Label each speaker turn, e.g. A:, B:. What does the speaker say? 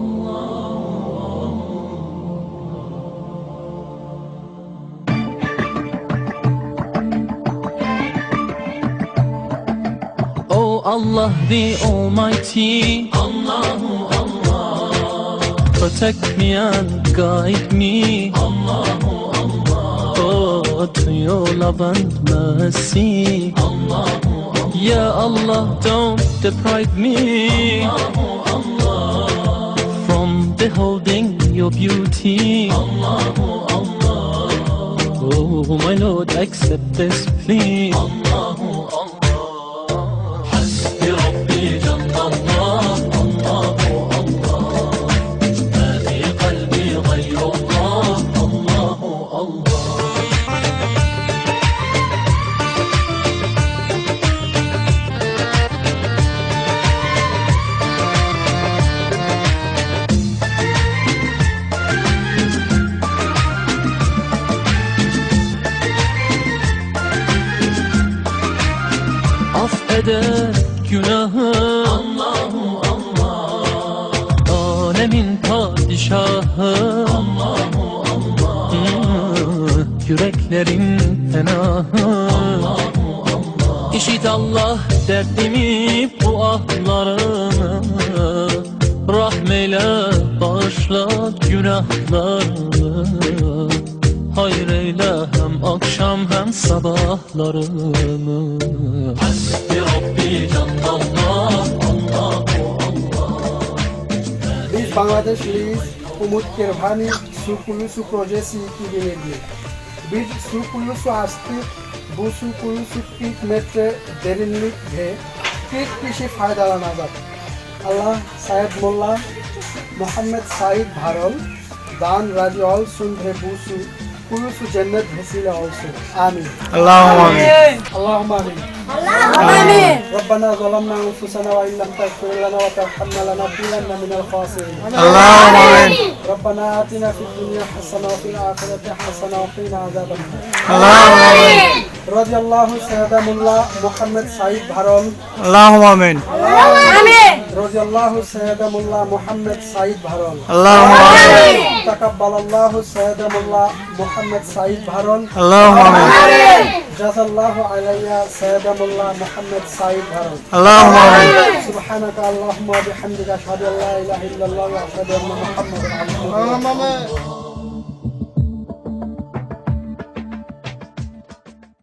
A: Oh Allah the Almighty, Allahu Allah, protect me and guide me, Allahu Allah, oh to your love and mercy, Allahu Allah, Ya Allah don't deprive me, Allahu Allah, from beholding your beauty, Allahu Allah, oh my Lord accept this plea, Allahu Allah. Affeder günahı Allahu Allah, alemin padişahı Allahu Allah, yüreklerin penahı Allahu Allah. İşit Allah derdimi bu ahlarımı, rahmeyle bağışla günahlarımı, hayır eyle hem akşam hem sabahlarımı. Hasbi Rabbi Canlallah, Allahu Allah.
B: Biz Bangladeshliyiz, Umut Kirvani su kuyusu projesi 2007. Biz su kuyusu açtık, bu su kuyusu 40 metre derinlik ve 40 kişi faydalanacak. Allah Said Mullah, Muhammed Said Bharol, Dan razı olsun ve bu su kuyusu cennet vesile olsun. Amin.
C: Allahumma amin.
B: Allahumma amin.
D: آمين.
B: ربنا ظلمنا أنفسنا وإن لم تغفر لنا وترحمنا لنكونن من الخاسرين.
C: اللهم آمين.
B: ربنا آتنا في الدنيا حسنة وفي الآخرة حسنة وقنا عذاب النار.
C: اللهم آمين.
B: رضي الله سيدنا ملا محمد سعيد بحرون.
C: اللهم آمين.
D: آمين.
B: رضي الله سيدنا ملا محمد سعيد بحرون.
C: اللهم آمين.
B: تقبل الله سيدنا ملا محمد سعيد بحرون.
C: اللهم آمين.
B: جزا الله علي سيدنا ملا محمد سعيد بحرون.
C: اللهم آمين.
B: سبحانك اللهم وبحمدك أشهد أن لا إله إلا الله وأشهد أن محمدا عبده ورسوله.